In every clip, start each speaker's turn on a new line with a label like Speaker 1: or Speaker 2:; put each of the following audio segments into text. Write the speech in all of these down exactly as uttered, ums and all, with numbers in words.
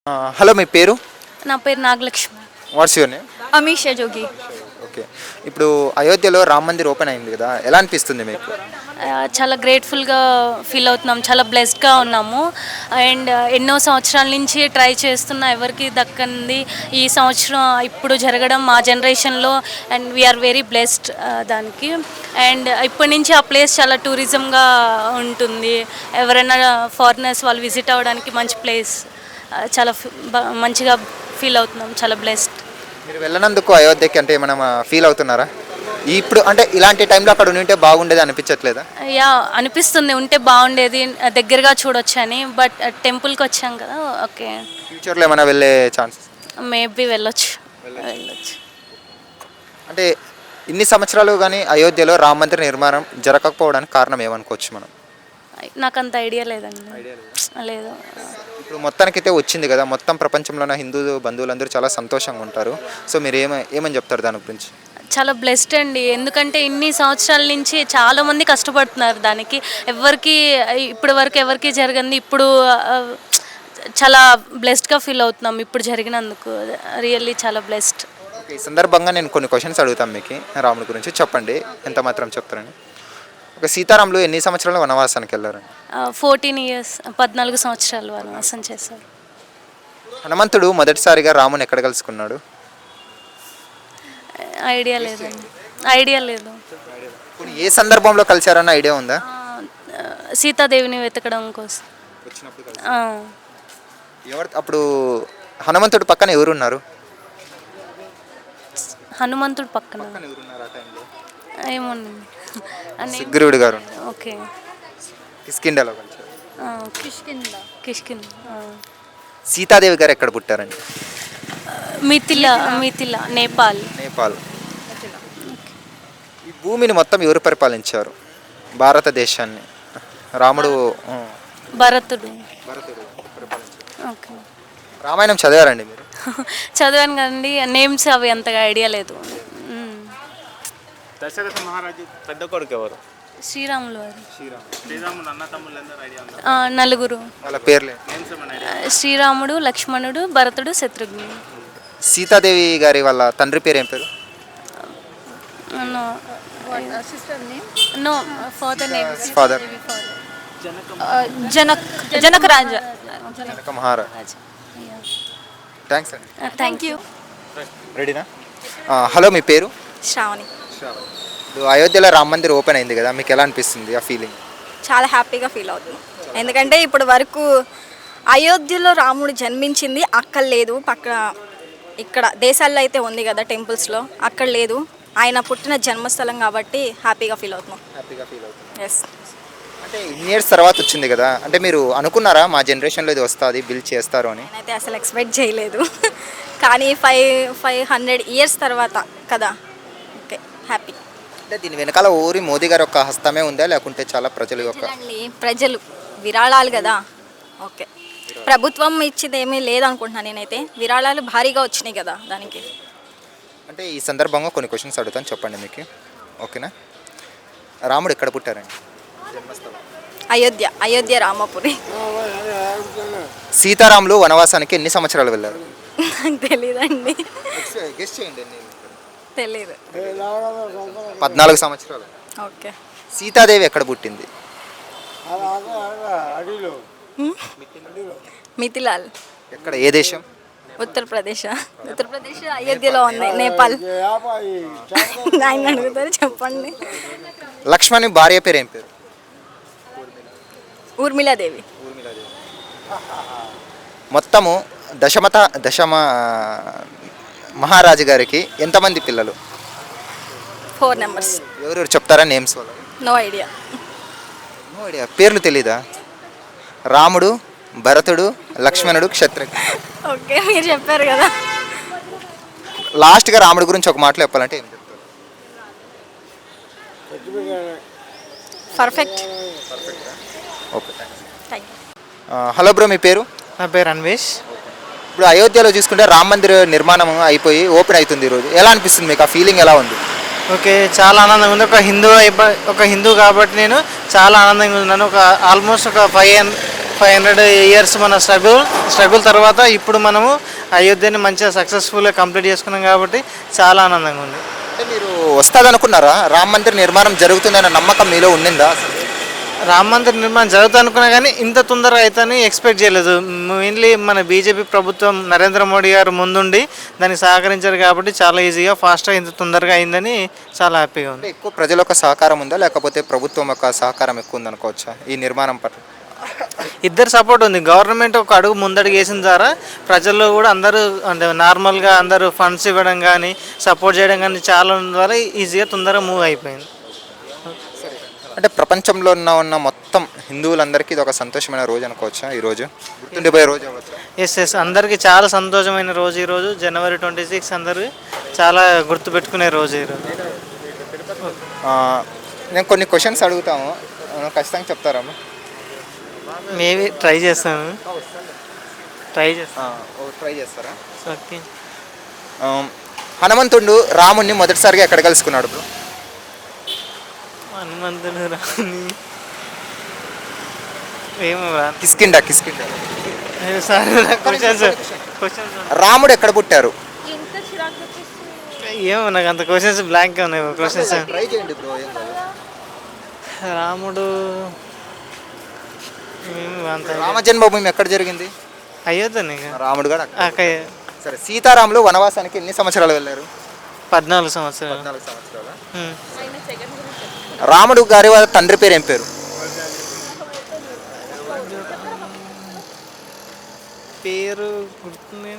Speaker 1: ఆ, హలో మీ పేరు?
Speaker 2: నా పేరు Nagalakshmi.
Speaker 1: What's your name?
Speaker 2: Amisha Jogi.
Speaker 1: Okay. ఇప్పుడు అయోధ్యలో రామ్ మందిర్ ఓపెన్ అయింది కదా, ఎలా అనిపిస్తుంది మీకు?
Speaker 2: ఆ, చాలా గ్రేట్ఫుల్గా ఫీల్ అవుతున్నాం, చాలా బ్లెస్డ్గా ఉన్నాము. అండ్ ఎన్నో సంవత్సరాల నుంచి ట్రై చేస్తున్న ఎవరికి దక్కంది ఈ సంవత్సరం ఇప్పుడు జరగడం మా జనరేషన్లో. అండ్ వీఆర్ వెరీ బ్లెస్డ్ దానికి. అండ్ ఇప్పటి నుంచి ఆ ప్లేస్ చాలా టూరిజంగా ఉంటుంది. ఎవరైనా ఫారినర్స్ వాళ్ళు విజిట్ అవ్వడానికి మంచి ప్లేస్. చాలా ఫి- బ- మంచిగా ఫీల్ అవుతున్నాం, చాలా బ్లెస్డ్.
Speaker 1: మీరు వెళ్ళనందుకు అయోధ్యకి అంటే ఏమైనా ఫీల్ అవుతున్నారా? ఇప్పుడు అంటే ఇలాంటి టైంలో అక్కడ ఉంటే బాగుండేది అనిపించట్లేదా?
Speaker 2: యా, అనిపిస్తుంది ఉంటే బాగుండేది, దగ్గరగా చూడొచ్చు అని. బట్ టెంపుల్కి వచ్చాం కదా, ఓకే.
Speaker 1: ఫ్యూచర్లో ఏమైనా వెళ్ళే ఛాన్సెస్?
Speaker 2: మేబీ వెళ్ళొచ్చు వెళ్ళొచ్చు
Speaker 1: అంటే ఇన్ని సంవత్సరాలు కానీ అయోధ్యలో రామ మందిర నిర్మాణం జరగకపోవడానికి కారణం ఏమనుకోవచ్చు మనం?
Speaker 2: నాకు అంత ఐడియా లేదండి. లేదు.
Speaker 1: ఇప్పుడు మొత్తానికైతే వచ్చింది కదా, మొత్తం ప్రపంచంలో ఉన్న హిందూ బంధువులందరూ చాలా సంతోషంగా ఉంటారు. సో మీరు ఏమ ఏమని చెప్తారు దాని గురించి?
Speaker 2: చాలా బ్లెస్డ్ అండి, ఎందుకంటే ఇన్ని సంవత్సరాల నుంచి చాలామంది కష్టపడుతున్నారు దానికి. ఎవరికి ఇప్పటి వరకు ఎవరికి జరగంది ఇప్పుడు. ఆ, చాలా బ్లెస్డ్గా ఫీల్ అవుతున్నాం ఇప్పుడు జరిగినందుకు. రియల్లీ చాలా బ్లెస్డ్.
Speaker 1: ఓకే, ఈ సందర్భంగా నేను కొన్ని క్వశ్చన్స్ అడుగుతాను మీకు రాముడి గురించి, చెప్పండి ఎంత మాత్రం చెప్తారని. ఒక సీతారాములు ఎన్ని సంవత్సరాలు వనవాసానికి వెళ్ళారండి?
Speaker 2: ఫోర్టీన్ ఇయర్స్ పద్నాలుగు సంవత్సరాలు వనవాసం చేశారు.
Speaker 1: హనుమంతుడు మొదటిసారిగా రాముని ఎక్కడ కలుసుకున్నాడు?
Speaker 2: ఐడియా లేదండి, ఐడియా లేదు.
Speaker 1: ఇప్పుడు ఏ సందర్భంలో కలిశారన్న ఐడియా ఉందా?
Speaker 2: ఆ, సీతాదేవిని వెతకడం కోసం. ఆ,
Speaker 1: ఎవరు అప్పుడు హనుమంతుడు పక్కన ఎవరున్నారు?
Speaker 2: హనుమంతుడు పక్కన ఏమోనండి.
Speaker 1: సుగ్రీవుడు గారు.
Speaker 2: ఓకే.
Speaker 1: కిష్కింధలో కలిశారు.
Speaker 2: కిష్కింద కిష్కింద
Speaker 1: సీతాదేవి గారు ఎక్కడ పుట్టారండి?
Speaker 2: మిథిలా మిథిలా నేపాల్.
Speaker 1: నేపాల్. ఈ భూమిని మొత్తం ఎవరు పరిపాలించారు భారతదేశాన్ని? రాముడు ఆ,
Speaker 2: భరతుడు.
Speaker 1: భరతుడు పరిపాలించారు.
Speaker 2: ఓకే.
Speaker 1: రామాయణం చదివారండి మీరు?
Speaker 2: చదివాను కదండి, నేమ్స్ అవి అంతగా ఐడియా లేదు. మ్మ్.
Speaker 3: దశరథ మహారాజు పెద్ద కొడుకు ఎవరు?
Speaker 2: శ్రీరాములు వారు.
Speaker 3: శ్రీరాముడు అన్న తమ్ముళ్ళు అందరూ ఐడియా ఉందా?
Speaker 2: ఆ, నలుగురు.
Speaker 1: వాళ్ళ పేర్లే.
Speaker 3: నేమ్స్ ఏమైనా
Speaker 2: ఆ, శ్రీరాముడు, లక్ష్మణుడు, భరతుడు, శత్రుఘ్నుడు.
Speaker 1: సీతాదేవి గారి వాళ్ళ తండ్రి పేరు ఏం పేరు?
Speaker 2: No no father name
Speaker 1: father
Speaker 2: Janak Janaka Raja.
Speaker 1: Janaka Maharaj. Thanks అండి.
Speaker 2: Thank you.
Speaker 1: రెడీనా? ఆ, హలో మీ పేరు?
Speaker 4: శ్రావణి.
Speaker 1: ఇప్పుడు అయోధ్యలో రామ మందిర్ ఓపెన్ అయింది కదా, మీకు ఎలా అనిపిస్తుంది ఆ ఫీలింగ్?
Speaker 4: చాలా హ్యాపీగా ఫీల్ అవుతున్నాం, ఎందుకంటే ఇప్పుడు వరకు అయోధ్యలో రాముడు జన్మించింది అక్కడ లేదు, పక్క ఇక్కడ దేశాల్లో అయితే ఉంది కదా టెంపుల్స్లో, అక్కడ లేదు. ఆయన పుట్టిన జన్మస్థలం కాబట్టి హ్యాపీగా ఫీల్ అవుతున్నాం.
Speaker 1: హ్యాపీగా ఫీల్ అవుతుంది.
Speaker 4: ఎస్.
Speaker 1: అంటే ఇన్ని ఇయర్స్ తర్వాత వచ్చింది కదా, అంటే మీరు అనుకున్నారా మా జనరేషన్లో ఇది వస్తుంది బిల్ చేస్తారు అని?
Speaker 4: నేనైతే అసలు ఎక్స్పెక్ట్ చేయలేదు, కానీ ఫైవ్ ఫైవ్ హండ్రెడ్ ఇయర్స్ తర్వాత కదా. Okay, happy.
Speaker 1: అంటే దీని వెనకాల ఊరి మోదీ గారి యొక్క హస్తమే ఉందా, లేకుంటే చాలా ప్రజల యొక్క?
Speaker 4: ప్రజలండి, ప్రజలు విరాళాలు కదా. ఓకే, ప్రభుత్వం ఇచ్చేది ఏమీ లేదనుకుంటున్నాను నేనైతే. విరాళాలు భారీగా వచ్చినాయి కదా దానికి.
Speaker 1: అంటే ఈ సందర్భంగా కొన్ని క్వశ్చన్స్ అడుగుతాను, చెప్పండి మీకు, ఓకేనా? రాముడు ఎక్కడ పుట్టారండి?
Speaker 4: అయోధ్య అయోధ్య రామపురి.
Speaker 1: సీతారాములు వనవాసానికి ఎన్ని సంవత్సరాలు వెళ్ళారు?
Speaker 4: నాకు తెలీదండి,
Speaker 1: గెస్ చేయండి.
Speaker 4: తెలీదు.
Speaker 1: పద్నాలుగు సంవత్సరాలు.
Speaker 4: ఓకే.
Speaker 1: సీతాదేవి ఎక్కడ పుట్టింది?
Speaker 4: మిథిలాల్.
Speaker 1: ఎక్కడ, ఏ దేశం?
Speaker 4: ఉత్తరప్రదేశ్. ఉత్తరప్రదేశ్ అయోధ్యలో ఉంది, నేపాల్. ఆయన అడుగుతారు, చెప్పండి.
Speaker 1: లక్ష్మణి భార్య పేరు ఏం పేరు?
Speaker 4: ఊర్మిళాదేవి.
Speaker 1: మొత్తము దశమత దశమ మహారాజు గారికి ఎంతమంది పిల్లలు?
Speaker 4: Four numbers.
Speaker 1: ఎవరెవరు చెప్తారా నేమ్స్? వాళ్ళు
Speaker 4: నో ఐడియా.
Speaker 1: No idea. పేర్లు తెలీదా? రాముడు, భరతుడు, లక్ష్మణుడు, క్షత్రజ్ఞ.
Speaker 4: ఓకే, మీరు చెప్పారు కదా.
Speaker 1: లాస్ట్గా రాముడి గురించి ఒక మాటలో చెప్పాలంటే ఏం చెప్తారు?
Speaker 4: Perfect.
Speaker 1: Okay,
Speaker 4: thank you.
Speaker 1: Hello bro, మీ పేరు?
Speaker 5: నా పేరు అన్వేష్.
Speaker 1: ఇప్పుడు అయోధ్యలో చూసుకుంటే రామ మందిర్ నిర్మాణం అయిపోయి ఓపెన్ అవుతుంది ఈరోజు, ఎలా అనిపిస్తుంది మీకు? ఆ ఫీలింగ్ ఎలా ఉంది?
Speaker 5: ఓకే, చాలా ఆనందంగా ఉంది. ఒక హిందూ అయిపో ఒక హిందూ కాబట్టి నేను చాలా ఆనందంగా ఉన్నాను. ఒక ఆల్మోస్ట్ ఒక ఫైవ్ ఫైవ్ హండ్రెడ్ ఇయర్స్ మన స్ట్రగుల్ స్ట్రగుల్ తర్వాత ఇప్పుడు మనము అయోధ్యని మంచిగా సక్సెస్ఫుల్గా కంప్లీట్ చేసుకున్నాం కాబట్టి చాలా ఆనందంగా ఉంది.
Speaker 1: అంటే మీరు వస్తుందనుకున్నారా? రామ మందిర్ నిర్మాణం జరుగుతుందన్న నమ్మకం మీలో ఉండిందా?
Speaker 5: రామ మందిర్ నిర్మాణం జరుగుతుంది అనుకున్నా కానీ ఇంత తొందరగా అవుతుందని ఎక్స్పెక్ట్ చేయలేదు. మెయిన్లీ మన బీజేపీ ప్రభుత్వం నరేంద్ర మోడీ గారు ముందుండి దానికి సహకరించారు కాబట్టి చాలా ఈజీగా ఫాస్ట్గా ఇంత తొందరగా అయిందని చాలా హ్యాపీగా ఉంది.
Speaker 1: అంటే ఎక్కువ ప్రజల యొక్క సహకారం ఉందా, లేకపోతే ప్రభుత్వం యొక్క సహకారం ఎక్కువ ఉందనుకోవచ్చా ఈ నిర్మాణం పట్ల?
Speaker 5: ఇద్దరు సపోర్ట్ ఉంది. గవర్నమెంట్ ఒక అడుగు ముందడుగు వేసిన ద్వారా ప్రజల్లో కూడా అందరూ అంటే నార్మల్గా అందరూ ఫండ్స్ ఇవ్వడం కానీ సపోర్ట్ చేయడం కానీ చాలా ఉన్న ద్వారా ఈజీగా తొందరగా మూవ్ అయిపోయింది.
Speaker 1: అంటే ప్రపంచంలో ఉన్న ఉన్న మొత్తం హిందువులందరికీ ఇది ఒక సంతోషమైన రోజు అనుకోవచ్చా? ఈ రోజు గుర్తుండిపోయే రోజు అవ్వచ్చు.
Speaker 5: ఎస్ ఎస్ అందరికీ చాలా సంతోషమైన రోజు ఈరోజు జనవరి ట్వంటీ సిక్స్ అందరూ చాలా గుర్తుపెట్టుకునే రోజు ఈరోజు.
Speaker 1: ఆ, నేను కొన్ని క్వశ్చన్స్ అడుగుతాము, ఆ, ఖచ్చితంగా చెప్తారా?
Speaker 5: మేబీ ట్రై చేస్తాను ట్రై చేస్తాను
Speaker 1: ట్రై చేస్తారా?
Speaker 5: ఓకే.
Speaker 1: ఆ, హనుమంతుడు రాముణ్ణి మొదటిసారిగా ఎక్కడ కలుసుకున్నాడు బ్రో?
Speaker 5: హనుమంతుడు రాని ఏమో రా
Speaker 1: Kishkinda Kishkinda
Speaker 5: sir questions questions
Speaker 1: రాముడు ఎక్కడ పుట్టారు?
Speaker 5: ఏమో నాకు అంత క్వశ్చన్స్ బ్లాంక్గా ఉన్నాయి క్వశ్చన్స్.
Speaker 1: ట్రై చేయండి బ్రో. ఏం కాదు.
Speaker 5: రాముడు ఏమో అంత
Speaker 1: రామ జన్మభూమి ఎక్కడ జరిగింది?
Speaker 5: అయ్యోద్దని
Speaker 1: రాముడు కూడా అక్కడ.
Speaker 5: అక్కడ
Speaker 1: సరే, సీతారాములు వనవాసానికి ఎన్ని సంవత్సరాలు వెళ్ళారు?
Speaker 5: పద్నాలుగు సంవత్సరాలు.
Speaker 1: పద్నాలుగు సంవత్సరాలు.
Speaker 5: ఉమ్.
Speaker 1: రాముడు గారి వాళ్ళ తండ్రి పేరు ఏం పేరు?
Speaker 5: పేరు గుర్తుంది.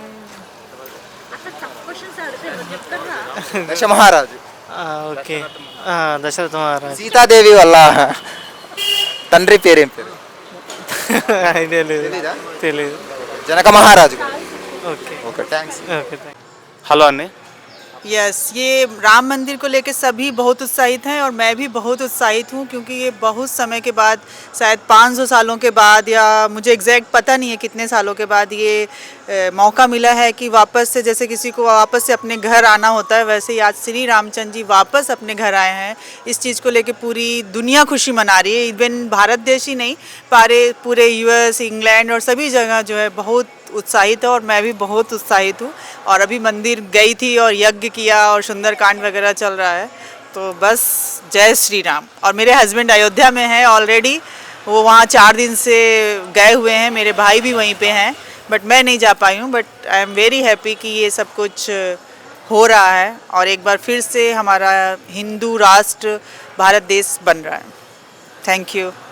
Speaker 1: దశమహారాజు.
Speaker 5: ఓకే, దశరథ మహారాజ్.
Speaker 1: సీతాదేవి వాళ్ళ తండ్రి పేరు ఏం పేరు?
Speaker 5: ఐడియా లేదు,
Speaker 1: తెలీదా?
Speaker 5: తెలియదు.
Speaker 1: జనక మహారాజు.
Speaker 5: Okay
Speaker 1: okay, thanks.
Speaker 5: Okay thank
Speaker 3: hello అండి.
Speaker 6: यस ये राम मंदिर को लेकर सभी बहुत उत्साहित हैं और मैं भी बहुत उत्साहित हूँ क्योंकि ये बहुत समय के बाद शायद पाँच सौ सालों के बाद या मुझे एग्जैक्ट पता नहीं है कितने सालों के बाद ये ए, मौका मिला है कि वापस से जैसे किसी को वापस से अपने घर आना होता है वैसे ही आज श्री रामचंद्र जी वापस अपने घर आए हैं. इस चीज़ को लेकर पूरी दुनिया खुशी मना रही है. इवन भारत देश ही नहीं पारे पूरे यूएस इंग्लैंड और सभी जगह जो है बहुत उत्साहित है और मैं भी बहुत उत्साहित हूँ. और अभी मंदिर गई थी और यज्ञ किया और सुंदरकांड वगैरह चल रहा है. तो बस जय श्री राम. और मेरे हस्बैंड अयोध्या में हैं ऑलरेडी, वो वहाँ चार दिन से गए हुए हैं. मेरे भाई भी वहीं पे हैं बट मैं नहीं जा पाई हूँ. But I am very happy कि ये सब कुछ हो रहा है और एक बार फिर से हमारा हिंदू राष्ट्र भारत देश बन रहा है. Thank you.